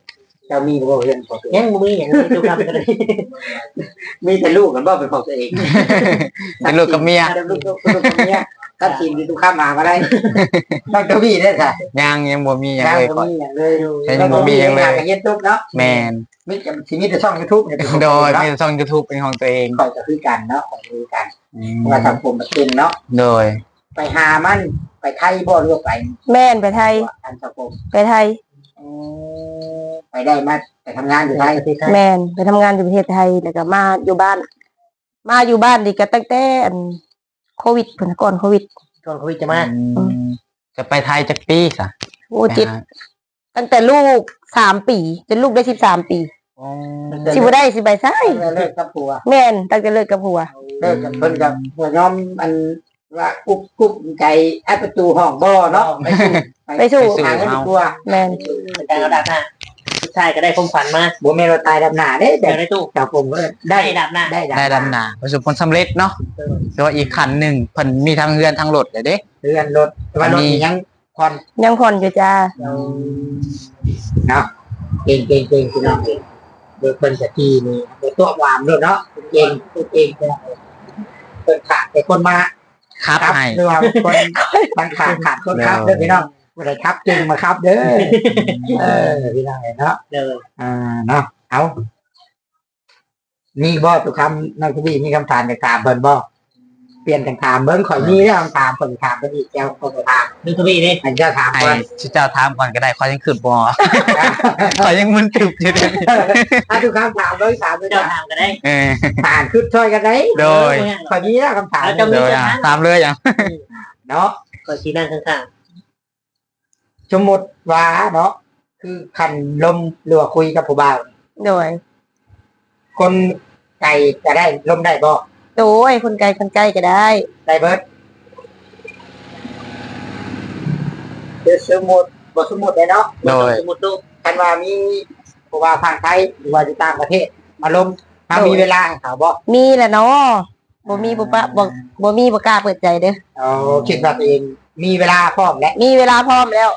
[SPEAKER 2] เจ้ามีบ่เพื่อนของตัวเอง
[SPEAKER 3] ยังบ่มีหยังเลยทุกคำก็ได้
[SPEAKER 2] มีแต่ลูกกันบ่เป็นของตัวเอง
[SPEAKER 4] เป็นลูกกับเมีย
[SPEAKER 2] ลูกลูกลูกกับเมียถ้าทีมที่ทุกข้ามมาก็ได้ต้องเจ้าพี่ได้ค่ะ
[SPEAKER 4] ยังยังบ่มีหยัง
[SPEAKER 2] ยัง
[SPEAKER 4] เลย
[SPEAKER 2] บ่
[SPEAKER 4] ก่อน
[SPEAKER 2] มีอย่างเลย
[SPEAKER 4] ยังบ่มีหยังเลย
[SPEAKER 2] เฮ็ดทุกเนาะ
[SPEAKER 4] แม่น
[SPEAKER 2] มีแต่ชีวิตแต่ช่อง YouTube เนี่ย
[SPEAKER 4] โดยมีช่อง YouTube เป็นของตัวเอง
[SPEAKER 2] คอยจะคือกันเนาะคอยคือกัน
[SPEAKER 4] อืม
[SPEAKER 2] ว่าสังคมมันเป็นเนาะ
[SPEAKER 4] โดย
[SPEAKER 2] ไปหามันไปไทยบ่หรือว่าไป
[SPEAKER 1] แม่นไปไทย
[SPEAKER 2] อันสังคม
[SPEAKER 1] ไปไทย
[SPEAKER 2] ไปได้มาไปทำงานอยู่ไทย
[SPEAKER 1] แม่นไปทำงานอยู่ประเทศไทยแล้วก็มาอยู่บ้าน มาอยู่บ้านนี่ก็ตั้งแต่อันโควิดพุ่นก่อนโควิด
[SPEAKER 3] ก่อนโควิดจะมา
[SPEAKER 4] อืมจะไปไทยจักปีซะ
[SPEAKER 1] โอ้จิตตั้งแต่ลูกสามปีจนลูกได้สิบสามปี
[SPEAKER 4] อ๋อ
[SPEAKER 1] สิบ่ได้สิใบซ้าย
[SPEAKER 2] เลิกกับผัว
[SPEAKER 1] แม่นตั้งแต่เลิกกับผัว
[SPEAKER 2] เลิกกับเพิ่นกับหัวยอมอันว่ากุ๊บกุ๊บใจแอดประตูห้องบ่เนาะไปสู่
[SPEAKER 1] ไปสู่
[SPEAKER 2] หาเงินตัว
[SPEAKER 1] แม่น
[SPEAKER 3] แต่เอาดับหน้าผู้ชายก็ได้ความฝันมา
[SPEAKER 2] บ่แม่นว่าตายดำหน้าเด้แบ
[SPEAKER 3] เดี๋ย
[SPEAKER 2] บ
[SPEAKER 3] วได้ตู้
[SPEAKER 2] เจ้าผมก็ได้
[SPEAKER 3] ได้ดับหน้า
[SPEAKER 2] ได้
[SPEAKER 4] ได้ดำนาประสบผลสำเร็จเนาะแต่ว่าอีกคันหนึ่งเพิ่นมีทางเรือนทางรถเลยเด้
[SPEAKER 2] เรือนรถแต่ว่ารถนี่ยังผ่อน
[SPEAKER 1] ยังผ่อนอยู่จ้า
[SPEAKER 2] เนาะเก่งเก่งเก่งพี่น้องเก่งเด็กเพิ่นจะที่นี่เด็กตัวหวานด้วยเนาะเก่งเก่งเก่งเพิ่นขาดแต่คนมา
[SPEAKER 4] ครับให้
[SPEAKER 2] หรือว่าคนบางขาดขาดคนครับเด้อพี่น้องบ่ได้ครับจึงมาครับเด้อเออพี่น้องเนาะ
[SPEAKER 3] เดิน
[SPEAKER 2] อ่าเนาะเอามีบ่ทุกคำน้องทวีมีคำถามจะถามเพิ่นบ่เปลี่ยนกันถามเบิ่งข่อยมีแล้วคำถามเพิ่นถามเพิ่นอีกแก้วคนถาม
[SPEAKER 3] ดูทวีนี่
[SPEAKER 2] อันเจ้าถาม
[SPEAKER 4] ให้
[SPEAKER 2] ก่อน
[SPEAKER 4] ชื่อเจ้าถามก่อนก็ได้ขอยังขึ้นบ่ ขอยังมึนตึบอยู่เด้อ
[SPEAKER 2] อ่ะทุกคำถามเบิ่งถามเบิ่ง
[SPEAKER 3] เจ้า
[SPEAKER 2] ถาม
[SPEAKER 3] ทางก็ได้
[SPEAKER 4] เออ
[SPEAKER 2] ถามคือช่วยกันได้
[SPEAKER 4] โดย
[SPEAKER 2] ข่อยมีแล้วคำถาม
[SPEAKER 4] โดยอ่ะตามเลยอ่ะ
[SPEAKER 2] เนาะ
[SPEAKER 3] ก็ชี้นั่งข้าง
[SPEAKER 2] สมมุติว่าเนาะคือคันลมหรือว่าคุยกับผู้บ่าว
[SPEAKER 1] โดย
[SPEAKER 2] คนไก่จะได้ลมได้บ่
[SPEAKER 1] โดยคนไกลคนใกล้ก็ได้
[SPEAKER 2] ได้เบิดเดี๋ยวสมมุติบ่สมมุติได้เนาะ
[SPEAKER 3] ๆ
[SPEAKER 4] โดย
[SPEAKER 3] สมมุติตู้
[SPEAKER 2] คันว่ามีผู้ว่าทางไทยหรือว่าอยู่ต่างประเทศ มาลมถ้ามีเวลาให้เขาบ่
[SPEAKER 1] มีแหละเนาะบ่มีบ่ปะบ่บ่มีบ่กล้าเปิดใจเด้อ
[SPEAKER 2] เอาคิดว่าตัวเองมีเวลาพร้อมและ
[SPEAKER 1] มีเวลาพร้อมแล้ว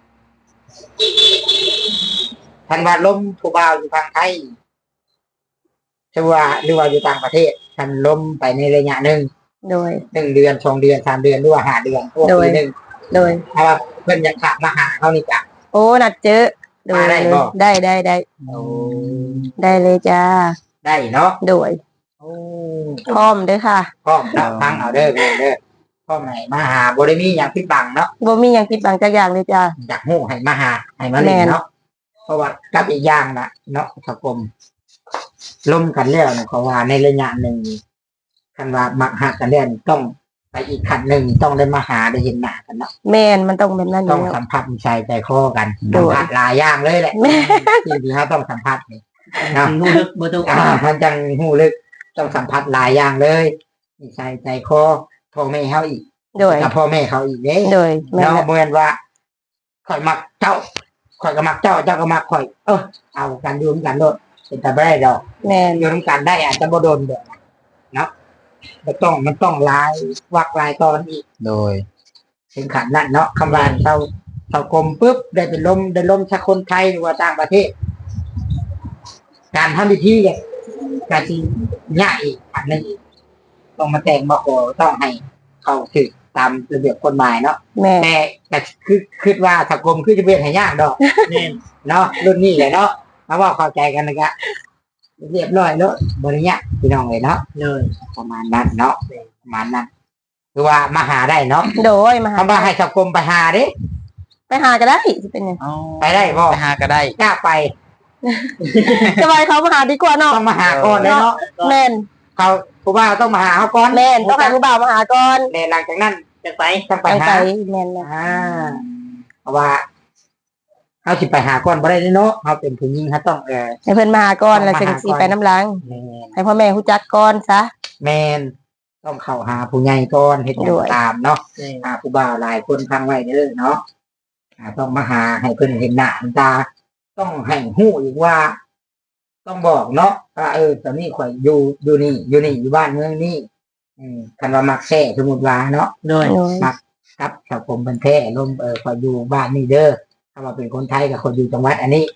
[SPEAKER 2] คันว่าลมผู้บ่าวอยู่ทางไทยจะว่าหรือว่าอยู่ต่างประเทศคันลมไปในระยะหนึ่ง
[SPEAKER 1] โดย
[SPEAKER 2] หนึ่งเดือนสองเดือนสามเดือนหรือว่าห้าเดือนพวก
[SPEAKER 1] โดย
[SPEAKER 2] ปีหนึ่ง
[SPEAKER 1] โดย
[SPEAKER 2] ถ้าว่าเพิ่นอยากถามมาหาเขานี่จ้ะ
[SPEAKER 1] โอ้นัดเจอโดย
[SPEAKER 2] มาได้บ่
[SPEAKER 1] ได้ได้ได้ได้เลยจ้า
[SPEAKER 2] ได้เนาะ
[SPEAKER 1] โดยพร้อมเด้อค่ะ
[SPEAKER 2] พร้อมรับฟังเอาเด้อเด้อเด้อพร้อมให้มาหาบ่ได้มีอย่างผิดบังเนาะ
[SPEAKER 1] บ่มีหยังปิดบังจักอย่างเลยจ้า
[SPEAKER 2] อยากฮู้ให้มาหาให้มาเล่นเนาะเพราะว่ากับอีกอย่างน่ะเนาะสังคมล่มกันแล้วเนี่ยเขาว่าในระยะหนึ่งคันว่ามักหักกันแล้วนี่ต้องไปอีกขั้นหนึ่งต้องได้มาหาได้เห็นหน้ากันเนาะ
[SPEAKER 1] แม่นมันต้องแบบนั้นอ
[SPEAKER 2] ต้อยู่ ง
[SPEAKER 1] แล้ว
[SPEAKER 2] สัมผัสใจใจคอกัน
[SPEAKER 1] โด
[SPEAKER 2] สัม
[SPEAKER 1] ย
[SPEAKER 2] ผัสหลายอย่างเลยแหละ
[SPEAKER 1] แม่
[SPEAKER 2] ที่ที่เขาต้องสัมผัสนี่เนาะ
[SPEAKER 3] หูลึกบ่ตู้
[SPEAKER 2] อ่ามันจังหูลึกต้องสัมผัสหลายอย่างเลยนิสัยใจคอพ่อแม่เขาอีก
[SPEAKER 1] โดย
[SPEAKER 2] กับพ่อแม่เขาอีกเด้
[SPEAKER 1] โดยแม่น
[SPEAKER 2] เนาะ
[SPEAKER 1] แหละ
[SPEAKER 2] เหมือนว่าข่อยมักเจ้าข่อยก็มักเจ้าเจ้าก็มักข่อย เออเอากันอยู่ด้วยกันโดดเป็นแต่ไม่ได้ดอก
[SPEAKER 1] แม่น
[SPEAKER 2] อยู่ด้วยกันได้อาจจะบ่โดนเด้อเนาะมันต้องมันต้องลายวักลายตอนอีก
[SPEAKER 4] โดย
[SPEAKER 2] ถึงขันนั่นเนาะคำว่าเท่าเท่ากลมปุ๊บได้เป็นลมได้ลมชักคนไทยหรือว่าต่างประเทศ การทำพิธีเนี่ยการที่ยากอีกอันนึงอีกต้องมาแต่งมาขอต้องให้เข้าถึงตามระเบียบกฎหมายเนาะ
[SPEAKER 1] แม่
[SPEAKER 2] แต่แต่คือคิดว่าสังคมคือจะเป็นให้ยากดอก
[SPEAKER 3] แน่น
[SPEAKER 2] เนาะรุ่นนี้เลยเนาะมาว่าเข้าใจกันนะกะเรียบร้อยแล้วบริญญาพี่น้องเลยเนาะ
[SPEAKER 3] เลย
[SPEAKER 2] ประมาณนั้นเนาะประมาณนั้นคือว่ามาหาได้เนาะ
[SPEAKER 1] โดยมาหา
[SPEAKER 2] คำว่าให้สังคมไปหาเด้
[SPEAKER 1] ไปหาก็ได้สิเป็นหยัง
[SPEAKER 2] ไปได้บ่
[SPEAKER 4] ไปหาก็ได้
[SPEAKER 2] กล้าไป
[SPEAKER 1] สบายเขามาหาดีกว่าเนาะ
[SPEAKER 2] ต้องมาหาก่อนเลยเนาะ
[SPEAKER 1] แม่น
[SPEAKER 2] เขาผู้บ่าวต้องมาหาเขาก่อน
[SPEAKER 1] แม่นต้องให้ผู้บ่าวมาหาก่อน
[SPEAKER 2] แต่หลังจากนั้น
[SPEAKER 3] จะไป
[SPEAKER 2] ต้องไป
[SPEAKER 1] ไป
[SPEAKER 2] หา
[SPEAKER 1] ไปแม่นนะ
[SPEAKER 2] อ่าเพราะว่าเขาสิไปหาก่อนบ่ได้เนาะเขาเป็นผู้หญิงเขาต้องเออ
[SPEAKER 1] ให้เพิ่นมาหาก่อน
[SPEAKER 2] ต้อง
[SPEAKER 1] แล้ว
[SPEAKER 2] มา
[SPEAKER 1] จึง
[SPEAKER 2] หา
[SPEAKER 1] สิ
[SPEAKER 2] ก่อน
[SPEAKER 1] ไปน้ำหลัง
[SPEAKER 2] แมน
[SPEAKER 1] ให้พ่อแม่ฮู้จักก่อนซะ
[SPEAKER 2] แมนต้องเข้าหาผู้ใหญ่ก่อนเฮ็ดหยั
[SPEAKER 1] ด้
[SPEAKER 2] ง
[SPEAKER 1] วย
[SPEAKER 2] ตามเนาะ
[SPEAKER 3] แน่น
[SPEAKER 2] หาผู้บ่าวหลายคนฟังไว้เด้อเนาะอ่าต้องมาหาให้เพิ่นเห็นหน้าเห็นตา ต้องให้ฮู้อีกว่า ต้องบอกเนาะว่าเออตอนนี้ข่อยอยู่อยู่นี่อยู่นี่อยู่บ้านเมืองนี่อืมคันว่ามักแท้สมมุติว่าเนาะ
[SPEAKER 3] โดย
[SPEAKER 1] โดย
[SPEAKER 2] ครับสังคมเป็นแท้ลมเออข่อยอยู่บ้านนี่เด้อถ้าว่าเป็นคนไทยกับคนอยู่จังหวัดอันนี้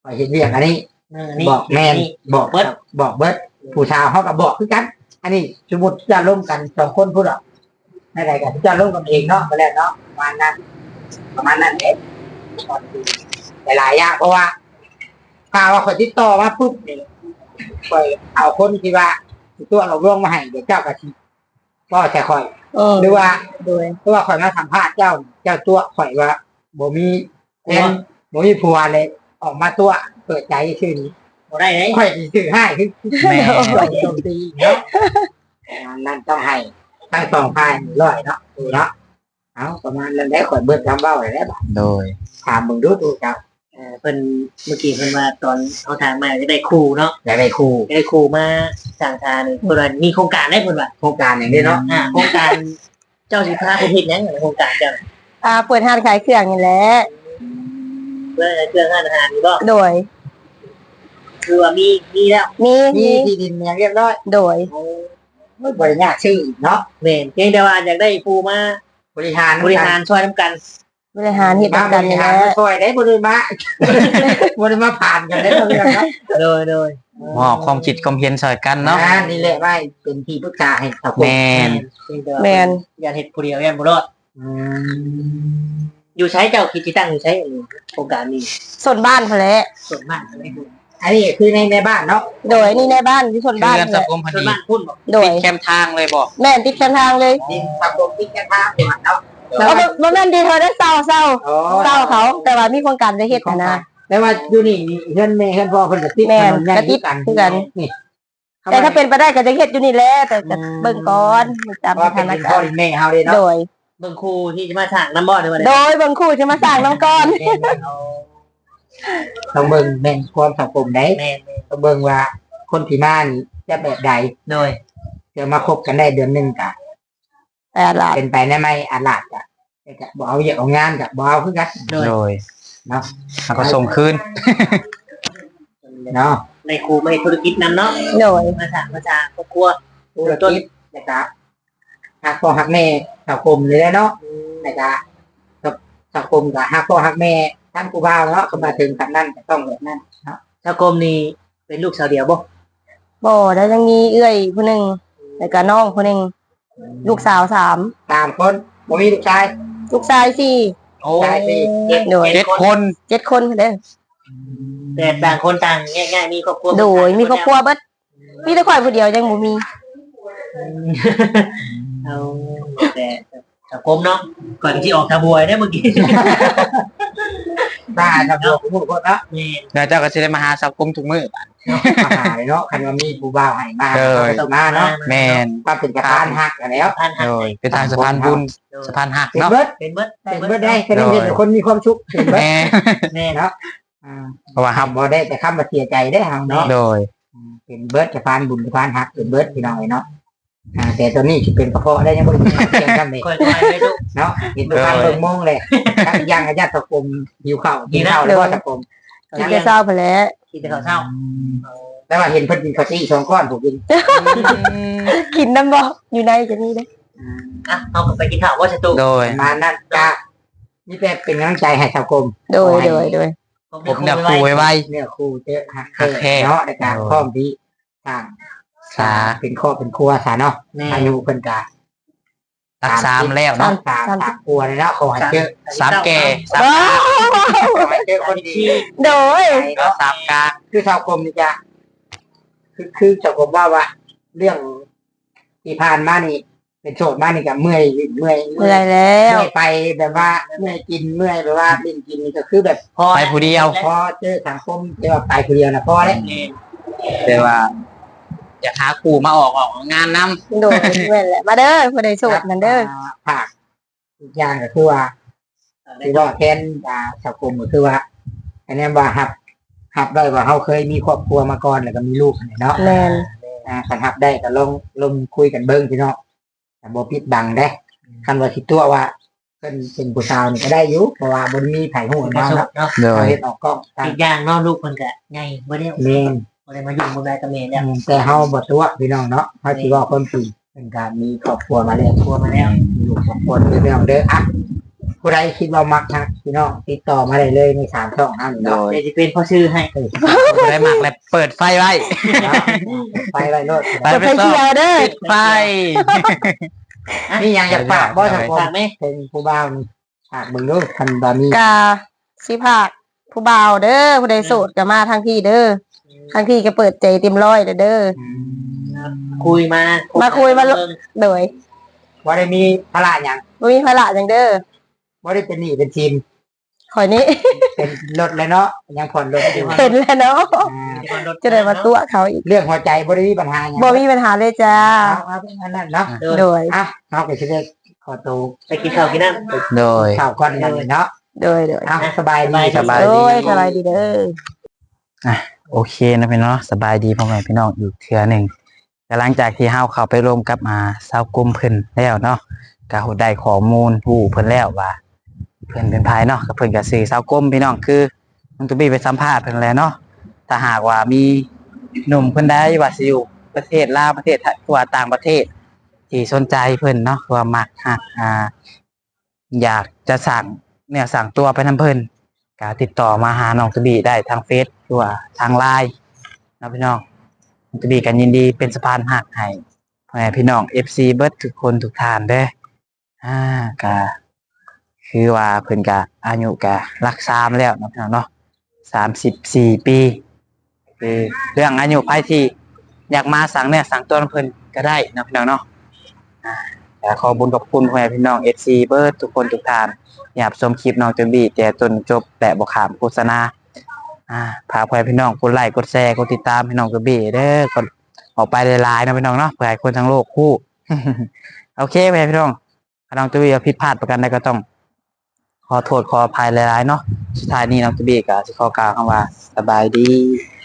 [SPEAKER 2] ข่อยเห็นเรียกอันนี้
[SPEAKER 3] เออนี่
[SPEAKER 2] บอกแม่น
[SPEAKER 3] นี่
[SPEAKER 2] บอกเบิดบอกเบิดผู้ชาวเขาก็บอกคือกัน อันนี้สมมติจะร่วมกันสองคนพูดหรอกในใดกันจะร่วมกันเองเนาะมาแล้วเนาะประมาณนั้นประมาณนั้นเองหลายๆอย่างเพราะว่าถ้าว่าคนที่ต่อมาปุ๊บนี่ข่อยเอาคนที่ว่าตัวเราร่วงมาให้เดี๋ยวเจ้ากะทิก็แค่ข่อย
[SPEAKER 1] เออ
[SPEAKER 2] หรือว่า
[SPEAKER 1] โดย
[SPEAKER 2] หรือว่าข่อยมาสัมภาษณ์เจ้า เจ้าตัวข่อยว่าบ่มีแอนบ่มีผัวเลย ออกมาตัวเปิดใจชื่อนี้
[SPEAKER 3] บ่ได้เลย
[SPEAKER 2] ข่อยสิซื้อให้คือ
[SPEAKER 4] แม่
[SPEAKER 2] ข่อยโจมตีเนาะนั่นต้องให้ทั้งสองฝ่ายร้อยเนาะดูเนาะเอาประมาณนั้นได้ข่อยเบิดคำเว้าได้แล้ว
[SPEAKER 4] โดย
[SPEAKER 2] ถามมึงดูดูเจ้า
[SPEAKER 3] เออเพิ่นเมื่อกี้เพิ่นว่าตอนเขาถามมาจะได้ครูเนาะ
[SPEAKER 2] อยากได้ครู
[SPEAKER 3] จะได้ครูมาสั่งทานนี่เพิ่นว่ามีโครงการได้เพิ่นว่า
[SPEAKER 2] โครงการอย่างนี้เนาะ
[SPEAKER 3] อ่าโครงการเจ้าสิพาผู้ผิดหยังโครงการเจ้า
[SPEAKER 1] อ่าเปิดห้างขายเครื่องนี่แหละ
[SPEAKER 3] เพื่อเครื่องอาหารนี่บ่
[SPEAKER 1] โดย
[SPEAKER 3] คือว่ามีมีแล้ว
[SPEAKER 1] มี
[SPEAKER 2] มี
[SPEAKER 1] มี
[SPEAKER 2] ที่ดินอย่างเรียบร้อย
[SPEAKER 1] โดย
[SPEAKER 2] ไม่บริญากชื่ออีกเนาะ
[SPEAKER 3] แม่นเพียงแต่ว่าอยากได้ครูมา
[SPEAKER 2] บริหาร
[SPEAKER 3] บริหารช่วยนํกัน
[SPEAKER 1] บริหารเหตุ
[SPEAKER 2] มา
[SPEAKER 1] การ
[SPEAKER 2] บ
[SPEAKER 1] ณ์
[SPEAKER 2] ริ
[SPEAKER 1] นี่แห
[SPEAKER 2] หาร
[SPEAKER 1] ละ
[SPEAKER 2] มาช่วยได้บริมา บริมาผ่านกันได้เรื่องเนาะ
[SPEAKER 3] โดยโดย
[SPEAKER 4] มอบความคิดความเห็นใส่กันเนาะ
[SPEAKER 2] อ่านี่แหละว่าเป็นที่ปรึกษาให้สังคม
[SPEAKER 4] แม่น
[SPEAKER 3] เพียงแต่ว่า
[SPEAKER 1] แมน
[SPEAKER 3] อย่าเฮ็ดผู้เดียวอย่าบ่รอด
[SPEAKER 2] อืม
[SPEAKER 3] อยู่ใช้เจ้าคิดที่ตั้งอยู่ใช้อันนี้โครงการนี้
[SPEAKER 1] ส่วนบ้านพนแหละ
[SPEAKER 3] ส่วนมากอะไรพูด
[SPEAKER 2] อันนี้คือในในบ้านเนาะ
[SPEAKER 1] โดยนี่ในบ้านที่ส่วนบ้าน
[SPEAKER 4] เพื่อน
[SPEAKER 1] นี่แห
[SPEAKER 4] สัง
[SPEAKER 1] ละ
[SPEAKER 4] คมพอ
[SPEAKER 3] ส่วน
[SPEAKER 4] ดี
[SPEAKER 3] มากพูดบอก
[SPEAKER 1] โดย
[SPEAKER 4] ติดแคมทางเลยบอก
[SPEAKER 1] แม่นติดกันทางเลย
[SPEAKER 2] ดินสังคมที่แค่ภาพเป็นเนาะ
[SPEAKER 1] เอาบ่บ่แม่นดีเธอได้เศร้าเศร้า
[SPEAKER 2] อ๋อ
[SPEAKER 1] เศร้าเขา แต่ว่ามีโครงการจะเฮ็ดหั้นนะ
[SPEAKER 2] แต่ว่าอยู่นี่เฮือนแม่เฮือนพ่อเพิ่นก็ติด
[SPEAKER 1] แม่น
[SPEAKER 2] ถนนใหญ่
[SPEAKER 1] ก็ติด
[SPEAKER 2] กัน
[SPEAKER 1] คือกัน
[SPEAKER 2] นี่
[SPEAKER 1] แต่ถ้าเป็นไปได้ก็จะเฮ็ดอยู่นี่แหละแต่ก็เบิ่งก่อนตาม
[SPEAKER 2] เพราะ
[SPEAKER 1] ส
[SPEAKER 2] เป็น
[SPEAKER 1] ถาน
[SPEAKER 2] ดิน
[SPEAKER 1] กา
[SPEAKER 2] พ่อ
[SPEAKER 1] รณ์
[SPEAKER 2] ดินแม่เฮาเด้เนาะ
[SPEAKER 1] โดย
[SPEAKER 3] เบิ่งครูที่จะมาถางน้ำบ่อในวัน
[SPEAKER 1] โด
[SPEAKER 3] นี้
[SPEAKER 1] ยเบิ่งคู่จะมาสร้างน้ำก่อน
[SPEAKER 2] ต้องเบิ่งแม่นความสังคมได้
[SPEAKER 3] แม่น
[SPEAKER 2] ต้องเบิ่งว่าคนที่มานี่จะแบบใด
[SPEAKER 3] โดย
[SPEAKER 2] จะมาคบกันได้เดือนหนึงกะ
[SPEAKER 1] แต่ละ
[SPEAKER 2] เป็นไปได้ไหมอาลาดกะแต่กะบ่เอาเยอะเอางานกะบ่เอาคือกัน
[SPEAKER 3] โดย
[SPEAKER 4] โดย
[SPEAKER 2] เนาะ
[SPEAKER 4] แล้วก็ส่งคืน
[SPEAKER 2] เนาะ
[SPEAKER 3] ในครูไม่ธุรกิจนำเนาะ
[SPEAKER 1] โดย
[SPEAKER 3] มาถางมาจากครอบครัว
[SPEAKER 2] ธุรกิจนะครับหักพ่อหักแม่สังคมเลยแหละเนาะนะครับกับสังคมกับหักพ่อหักแม่ทั้งกูบ่าวเนาะก็มาถึงกันนั่นก็ต้องแบบนั้นเนาะ
[SPEAKER 3] ชาวกรมนี่เป็นลูกสาวเดียวบ่
[SPEAKER 1] บ่แล้วยังมีเอื้อยผู้หนึงแล้วก็น้องผู้หนึงลูกสาวสาม
[SPEAKER 2] ตามคนบ่มีลูกชาย
[SPEAKER 1] ลูกชายสี่
[SPEAKER 4] โอ้
[SPEAKER 2] ชายสี่
[SPEAKER 1] โดย
[SPEAKER 4] เจ็ดคน
[SPEAKER 1] เจ็ดคนเด้อ
[SPEAKER 3] แต่ต่างคนต่างง่ายๆมีครอบครัว
[SPEAKER 1] โดยมีครอบครัวเบิดมีแต่ข่อยผู้เดียวยังบ่มี
[SPEAKER 3] เอาแต่ชาวกรมเนาะก่อนที่ออกทะบวยได้เมื่อกี้
[SPEAKER 2] ได้ครับผมพูดคนเนาะ
[SPEAKER 3] นี่
[SPEAKER 4] เดี๋ยวเจ้าก็สิได้มาหาสังคมทุกมื้อ
[SPEAKER 2] มาหาเลยเนาะคันว่ามีผู้บ่าวให้มา
[SPEAKER 4] เออ
[SPEAKER 2] ก็ต้องมาเนาะ
[SPEAKER 4] แม่น
[SPEAKER 2] ก็เป็นกระพานหักกันแล้ว
[SPEAKER 3] ท่านหัก
[SPEAKER 4] โดยเป็นทางสะพานบุญสะพานหัก
[SPEAKER 2] เป็น
[SPEAKER 4] เนาะ
[SPEAKER 2] เบิด
[SPEAKER 3] เป็นเบิด
[SPEAKER 2] เป็นเบิดได้แค่นี้เห็นแต่คนมีความสุขเป็นเบิด
[SPEAKER 4] แม่
[SPEAKER 3] แม่
[SPEAKER 2] เนาะอ่า
[SPEAKER 4] เพราะว่าครับ
[SPEAKER 2] ทำบ่ได้แต่คำมาเสียใจได้เฮาเนาะ
[SPEAKER 4] โดย
[SPEAKER 2] เป็นเบิร์ดจะพานบุญจะพานหักเป็นเบิร์ดพี่น้องเนาะอ่าแต่ตัวนี้จะเป็นกระเพาะได้ยังบ่ได้เพียงกันเลย
[SPEAKER 3] ค่อยๆไปดู
[SPEAKER 2] เนาะเห็นตัวพานเบิ่งโมงเลยทั้งย่างกับญาติตะกรมหิวข้าวกินข้าวแล้วก็ตะกรม
[SPEAKER 1] กินแต่เช้าพุ่นแหละ
[SPEAKER 3] ที่แต่เขาเศร้า
[SPEAKER 2] แต่ว่าเห็นเพิ่นกินข้าวตี้สองก้อนผมกิน
[SPEAKER 1] กินน้ำบ่อยู่ในจะนี่เด้อ
[SPEAKER 3] อ่ะเอากลับไปกินข้าวว่าชะตุ
[SPEAKER 4] โดย
[SPEAKER 2] ประมาณนั้นก็นี่เป็นเป็นกำลังใจให้ตะกรม
[SPEAKER 1] โดยโดยโดย
[SPEAKER 4] ผมอยากคุยไว้
[SPEAKER 2] เนี่ยครูเจอหัก
[SPEAKER 4] หักแท้
[SPEAKER 2] เนาะในการพร้อมที่สร้าง
[SPEAKER 4] สา
[SPEAKER 2] เป็นครอบเป็นครัวซะเนาะ
[SPEAKER 3] แม่
[SPEAKER 2] อายุเพิ่นก็
[SPEAKER 4] รักสามแล้วเนาะ
[SPEAKER 2] สามสามครัวเลยเนาะขอให้เจอ
[SPEAKER 4] สามแก่สาม
[SPEAKER 1] ว้าว
[SPEAKER 2] ขอให้เจอคนดี
[SPEAKER 1] โดย
[SPEAKER 2] เนาะ
[SPEAKER 4] สามกลาง
[SPEAKER 2] คือชาวกรมนี่จะคือคือชาวกรมว่าว่า เรื่องที่ผ่านมานี่ เป็นโสดมานี่ก็เมื่อยเมื่อย
[SPEAKER 1] เหนื่อยแล้ว
[SPEAKER 2] เมื่อยไปแบบว่าเมื่อยกินเมื่อยแบบว่าลิ้นกินนี่ก็คือแบบ
[SPEAKER 3] พอ
[SPEAKER 4] ไปผู้เดียว
[SPEAKER 2] พอเจอสังคมเจอไปคนเดียวนะพอแล้ว
[SPEAKER 4] แต่ว่า อยากหาครูมาออกออกงานนำ
[SPEAKER 1] โดยแม่นแหละมาเด้อผู้ใดโสดนั่นเด้อ
[SPEAKER 2] ภาคอีกอย่างก็คือว่าคือว่าแทนอ่าชาวกรมก็คือว่าอันนี้ว่าหับหับได้ว่าเขาเคยมีครอบครัวมาก่อนแล้วก็มีลูกเนาะ
[SPEAKER 1] แม่น
[SPEAKER 2] อ่าคันหับได้ก็ลงลงคุยกันเบิ้งพี่น้องแต่บ่ปิดบังได้คันว่าสิตัวว่าเพิ่นเป็นผู้สาวนี่ก็ได้อยู่เพราะว่าบ่มีไผฮู้
[SPEAKER 3] มา
[SPEAKER 2] เนาะ
[SPEAKER 3] เนาะ
[SPEAKER 4] โด
[SPEAKER 2] เรา
[SPEAKER 4] ย
[SPEAKER 2] เฮ็ดออกกล้องตาม
[SPEAKER 3] อีกอย่างเนาะลูกคนก็ไงบ่ได้
[SPEAKER 2] แม่น
[SPEAKER 3] บ่ได้มาอยู่บ่ได้กับแม่แล้ว
[SPEAKER 2] แต่เฮาบ่ตัวพี่น้องเนาะเฮาสิเว้าความจริงเป็นการมีครอบครัวมาแล้ว
[SPEAKER 3] ครัวมาแล้ว
[SPEAKER 2] มีลูกสองคนพี่น้องเด้ออ่ะผู้ใดคิดว่ามักทักพี่น้องติดต่อมาได้เลยในสามช่องนั่น
[SPEAKER 4] โด
[SPEAKER 2] เนาะ
[SPEAKER 4] ย
[SPEAKER 3] เดี๋ยวจะเป็นพ่อชื่อให้
[SPEAKER 4] บ่ได้มักแล้วเปิดไฟไว้
[SPEAKER 2] ไปไว้โลด
[SPEAKER 4] ไป
[SPEAKER 1] จะไปเที่ยวเด้อ
[SPEAKER 4] ปิดไฟ
[SPEAKER 2] นี่ยังอยากฝากบ่สังคม
[SPEAKER 3] ฝากไหม
[SPEAKER 2] เป็นผู้บ่าวนี่ฝากเบิ่งดูคันบ่มี
[SPEAKER 1] กาสิภาคผู้บ่าวเด้อผู้ใดโสดก็มาทางพี่เด้อทางพี่ก็เปิดใจเต็มร้อยเด้อเด้อ
[SPEAKER 3] คุยมา
[SPEAKER 1] มาคุยมา โดย
[SPEAKER 2] บ่ได้มีภาระหยัง
[SPEAKER 1] บ่มีภาระจังเด้อ
[SPEAKER 2] บ่ได้เป็นหนี้เป็นทีม
[SPEAKER 1] ข่อยนี้
[SPEAKER 2] เป็นรถเลยเนาะยังผ่อนรถอยู่
[SPEAKER 1] เห็นแล้วเนาะ
[SPEAKER 2] อ่า
[SPEAKER 1] จะได้มาตัวเขาอีก
[SPEAKER 2] เรื่องหัวใจบ่ได้มีปัญหาหยัง
[SPEAKER 1] บ่มีปัญหาเลยจ้า
[SPEAKER 2] เอาเอาเป็นอันนั้นเนาะ
[SPEAKER 3] โดย
[SPEAKER 1] โดย
[SPEAKER 2] อ่ะเฮาก็สิได้ขอตัว
[SPEAKER 3] ไปกินข้าวกินน้ำ
[SPEAKER 4] โดย
[SPEAKER 2] ข่าวก่อนกันเนาะ
[SPEAKER 1] โดยโดย
[SPEAKER 2] อ่ะสบายดี
[SPEAKER 4] สบาย
[SPEAKER 1] โอ้ยสบายดีเด้อ
[SPEAKER 4] โอเคนะพี่น้องสบายดีพ่อแม่พี่น้องอีกเทื่อหนึ่งแต่หลังจากที่เฮาเข้าไปร่วมกับมาเศร้ากลุ่มเพิ่นแล้วเนาะก็ได้ข้อมูลผู้เพิ่นแล้วว่าเพิ่นเป็นภายเนาะก็เพิ่นก็สื่อเศร้ากลุ่มพี่น้องคือน้องตุบี้ไปสัมภาษณ์เพิ่นแล้วเนาะถ้าหากว่ามีหนุ่มเพิ่นใดว่าสิอยู่ประเทศลาวประเทศไทยหรือว่าต่างประเทศ ที่สนใจเพิ่นเนาะว่ามักฮักอ่า อยากจะสั่งเนี่ยสั่งตัวไปนํเพิ่นก็ติดต่อมาหาน้องตุบี้ได้ทางเฟซหรือว่าทางไลน์นะพี่น้องน้องตุบี้กันยินดีเป็นสะพานหักให้พ่อแม่พี่น้อง เอฟ ซี เบิดทุกคนทุกท่านเด้ออ่าก็คือว่าเพิ่นก็อายุก็รักษามแล้วเนาะพี่น้องเนาะสามสิบสี่ปีคือเรื่องอายุไผที่อยากมาสั่งเนี่ยสั่งตัวเพิ่นก็ได้เนาะพี่น้องเนาะอ่าก็ขอบุญขอบคุณพ่อแม่พี่น้อง เอฟ ซี เบิดทุกคนทุกท่านอยากชมคลิปน้องตุบี้แต่จนจบแต่บ่ข้ามโฆษณาอ่าพาพ่อแม่พี่น้องกดไลค์กดแชร์กดติดตามพี่น้องตุบี้เด้อกดออกไปหลายๆนะพี่น้องเนาะเพื่อให้คนทั้งโลกคู่ โอเคพ่อแม่พี่น้องถ้าน้องตุบี้ผิดพลาดประกันใดก็ต้อง ขอโทษขออภัยหลายๆเนาะสุดท้ายนี้น้องตุบี้ก็สิขอกล่าวคำว่าสบายดี